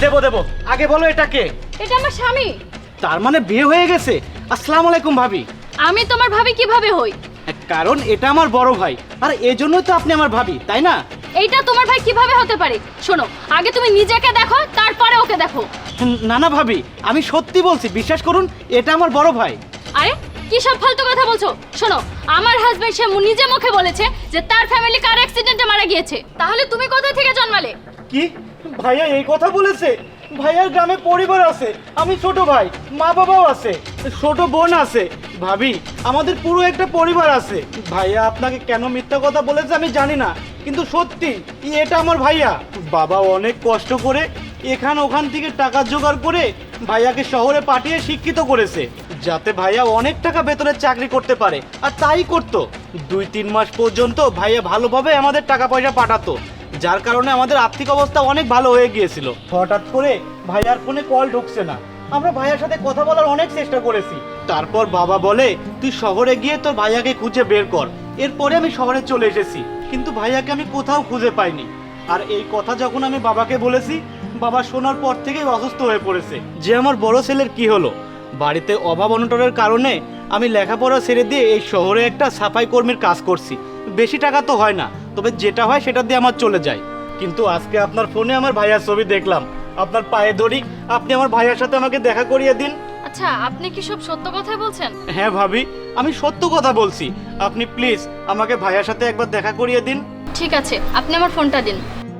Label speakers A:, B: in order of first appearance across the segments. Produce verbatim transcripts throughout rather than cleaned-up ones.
A: দেবো দেবো, আগে বলো এটা কে?
B: এটা আমার স্বামী।
A: তার মানে বিয়ে হয়ে গেছে? আসসালামু আলাইকুম ভাবি।
B: আমি তোমার ভাবি কিভাবে হই?
A: কারণ এটা আমার বড় ভাই, আর এই জন্যই তো আপনি আমার ভাবি, তাই না?
B: এইটা তোমার ভাই কিভাবে হতে পারে? শোনো, আগে তুমি নিজেকে দেখো, তারপরে ওকে দেখো।
A: না না ভাবি, আমি সত্যি বলছি, বিশ্বাস করুন, এটা আমার বড় ভাই।
B: আরে কি সব ফালতু কথা বলছো? শোনো, আমার হাজবেন্ড সে মু- নিজে মুখে বলেছে যে তার ফ্যামিলি কার অ্যাক্সিডেন্টে মারা গিয়েছে। তাহলে তুমি কোথা থেকে জন্মালে?
A: কি ভাইয়া এই কথা বলেছে? ভাইয়ার গ্রামে পরিবার আছে, আমি ছোট ভাই, মা বাবাও আছে, ছোট বোন আছে। ভাবি, আমাদের পুরো একটা পরিবার আছে। ভাইয়া আপনাকে কেন মিথ্যা কথা বলেছে আমি জানি না, কিন্তু সত্যি এটা আমার ভাইয়া। বাবা অনেক কষ্ট করে এখান ওখান থেকে টাকা জোগাড় করে ভাইয়াকে শহরে পাঠিয়ে শিক্ষিত করেছে, যাতে ভাইয়া অনেক টাকা বেতনের চাকরি করতে পারে। আর তাই করতো, দুই তিন মাস পর্যন্ত ভাইয়া ভালোভাবে আমাদের টাকা পয়সা পাঠাতো, যার কারণে আমাদের আর্থিক অবস্থা অনেক ভালো হয়ে গিয়েছিল। হঠাৎ করে ভাইয়ার ফোনে কল ঢুকছে না, আমরা ভাইয়ার সাথে কথা বলার অনেক চেষ্টা করেছি। তারপর বাবা বলে তুই শহরে গিয়ে তোর ভাইয়াকে খুঁজে বের কর। এরপরে আমি শহরে চলে এসেছি, কিন্তু ভাইয়াকে আমি কোথাও খুঁজে পাইনি। আর এই কথা যখন আমি বাবাকে বলেছি, বাবা শোনার পর থেকেই অসুস্থ হয়ে পড়েছে যে আমার বড় ছেলের কি হলো। বাড়িতে অভাব অনটনের কারণে আমি লেখাপড়া ছেড়ে দিয়ে এই শহরে একটা সাফাই কর্মীর কাজ করছি। বেশি টাকা তো হয় না, তবে যেটা হয় সেটা দিয়ে আমার চলে যায়। কিন্তু আজকে আপনার ফোনে আমার ভাইয়ার ছবি দেখলাম, আপনার পায়ে ধরি, আপনি আমার ভাইয়ার সাথে আমাকে দেখা করিয়ে দিন।
B: আচ্ছা, আপনি কি সব সত্য কথাই বলছেন?
A: হ্যাঁ ভাবি, আমি সত্য কথা বলছি। আপনি প্লিজ আমাকে ভাইয়ার সাথে একবার দেখা করিয়ে দিন।
B: ঠিক আছে, আপনি আমার ফোনটা দিন।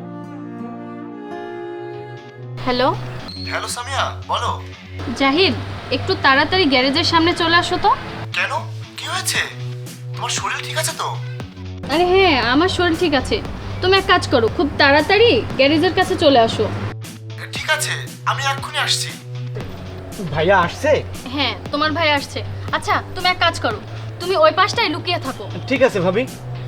B: হ্যালো
C: হ্যালো সামিয়া, বলো।
B: জাহিদ, একটু তাড়াতাড়ি গ্যারেজের সামনে চলে আসো তো।
C: কেন, কি হয়েছে? তোমার শরীর ঠিক আছে তো?
B: আরে হ্যাঁ, আমার শরীর ঠিক আছে। তুমি এক কাজ করো, খুব তাড়াতাড়ি গ্যারেজের কাছে চলে আসো।
C: ঠিক আছে, আমি এক্ষুনি আসছি।
A: ভাইয়া আসছে?
B: হ্যাঁ, তোমার ভাই আসছে। আচ্ছা, তুমি এক কাজ করো, তুমি ওই পাশটায় লুকিয়ে থাকো।
A: ঠিক আছে ভাবি।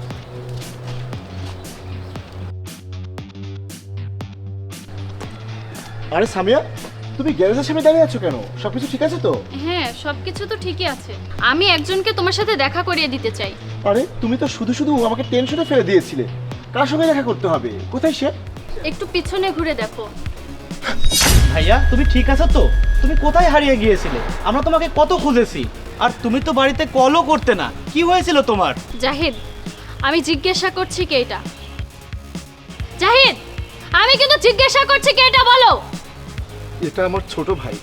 C: আরে সামিয়া, তুমি গ্যারেজের সামনে দাঁড়িয়ে আছো কেন? সবকিছু ঠিক আছে তো?
B: হ্যাঁ, সবকিছু তো ঠিকই আছে। আমি একজনকে তোমার সাথে দেখা করিয়ে দিতে চাই।
C: আরে তুমি তো শুধু শুধু আমাকে টেনশনে ফেলে দিয়েছিলে। কার সঙ্গে দেখা করতে হবে? কোথায় সে?
B: একটু পিছনে ঘুরে দেখো।
A: ভাইয়া তুমি ঠিক আছো তো? তুমি কোথায় হারিয়ে গিয়েছিলে? আমরা তোমাকে কত খুঁজেছি, আর তুমি তো বাড়িতে কলও করতে না। কি হয়েছিল তোমার?
B: জাহিদ, আমি জিজ্ঞাসা করছি কে এটা। জাহিদ, আমি কিন্তু জিজ্ঞাসা করছি কে এটা, বলো।
C: এটা আমার ছোট ভাই।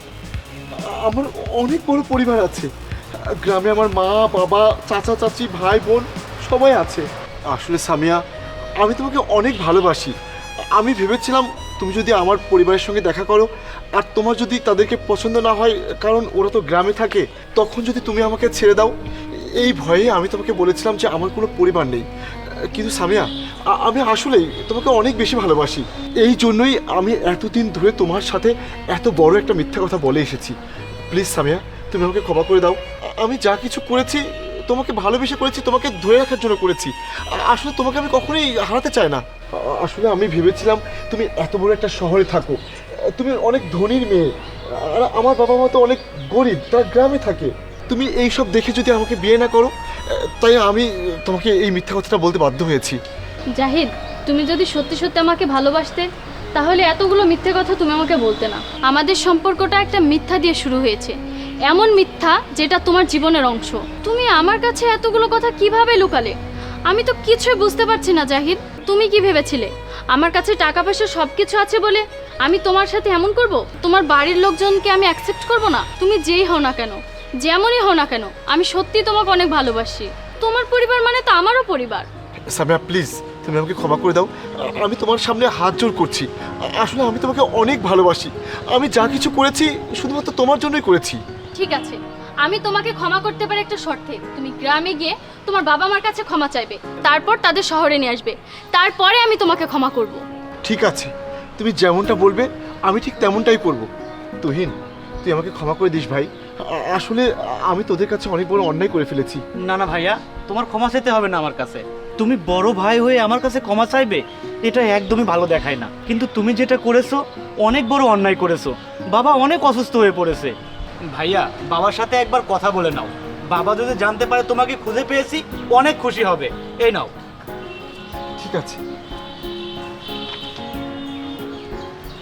C: আমার অনেক বড় পরিবার আছে। গ্রামে আমার মা বাবা চাচা চাচি ভাই বোন সবাই আছে। আসলে সামিয়া, আমি তোমাকে অনেক ভালোবাসি। আমি ভেবেছিলাম তুমি যদি আমার পরিবারের সঙ্গে দেখা করো, আর তোমার যদি তাদেরকে পছন্দ না হয়, কারণ ওরা তো গ্রামে থাকে, তখন যদি তুমি আমাকে ছেড়ে দাও, এই ভয়ে আমি তোমাকে বলেছিলাম যে আমার কোনো পরিবার নেই। কিন্তু সামিয়া, আ- আমি আসলেই তোমাকে অনেক বেশি ভালোবাসি। এই জন্যই আমি এতদিন ধরে তোমার সাথে এত বড় একটা মিথ্যা কথা বলে এসেছি। প্লিজ সামিয়া, তুমি আমাকে ক্ষমা করে দাও। আ- আমি যা কিছু করেছি তোমাকে ভালোবেসে করেছি, তোমাকে ধরে রাখার জন্য করেছি। আ- আসলে তোমাকে আমি কখনোই হারাতে চাই না। আ- আসলে আমি ভেবেছিলাম তুমি এত বড় একটা শহরে থাকো, আ, তুমি অনেক ধনীর মেয়ে, আর আমার বাবা মা তো অনেক গরিব, তারা গ্রামে থাকে। তুমি এই সব দেখে যদি আমাকে বিয়ে না করো, আ, তাই আমি তোমাকে এই মিথ্যা কথাটা বলতে বাধ্য হয়েছি।
B: জাহিদ, তুমি যদি সত্যি সত্যি আমাকে ভালোবাসতে, তাহলে এতগুলো মিথ্যে কথা তুমি আমাকে বলতে না। আমাদের সম্পর্কটা একটা মিথ্যা দিয়ে শুরু হয়েছে, এমন মিথ্যা যেটা তোমার জীবনের অংশ। তুমি আমার কাছে এতগুলো কথা কিভাবে লুকালে? আমি তো কিছুই বুঝতে পারছি না জাহিদ। তুমি কি ভেবেছিলে আমার কাছে টাকা পয়সা সব কিছু আছে বলে আমি তোমার সাথে এমন করব? তোমার বাড়ির লোকজনকে আমি অ্যাকসেপ্ট করব না? তুমি যেই হও না কেন, যেমনই হও না কেন, আমি সত্যি তোমাকে অনেক ভালোবাসি। তোমার পরিবার মানে তো আমারও পরিবার।
C: সামিয়া প্লিজ, তুমি আমাকে ক্ষমা করে দাও। আ- আমি তোমার সামনে হাত জোড় করছি। আ- আসলে আমি তোমাকে অনেক ভালোবাসি। আমি যা কিছু করেছি শুধুমাত্র তোমার জন্যই করেছি।
B: ঠিক আছে, আমি তোমাকে ক্ষমা করতে পারি একটা শর্তে। তুমি গ্রামে গিয়ে তোমার বাবা মার কাছে ক্ষমা চাইবে, তারপর তাদের শহরে নিয়ে আসবে, তারপরে আমি তোমাকে ক্ষমা করব।
C: ঠিক আছে, তুমি যেমনটা বলবে আমি ঠিক তেমনটাই করব। তুহিন, তুই আমাকে ক্ষমা করে দিস ভাই। আ- আসলে আমি তোদের কাছে অনেক বড় অন্যায় করে ফেলেছি।
A: না না ভাইয়া, তোমার ক্ষমা চাইতে হবে না আমার কাছে। তুমি বড় ভাই হয়ে আমার কাছে ক্ষমা চাইবে, এটা একদমই ভালো দেখায় না। কিন্তু তুমি যেটা করেছো অনেক বড় অন্যায় করেছো। বাবা অনেক অসুস্থ হয়ে পড়েছে। ভাইয়া, বাবার সাথে একবার কথা বলে নাও। বাবা যদি জানতে পারে তোমাকে খুঁজে পেয়েছি, অনেক খুশি হবে। এই নাও।
C: ঠিক আছে।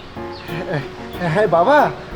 C: হ্যাঁ বাবা,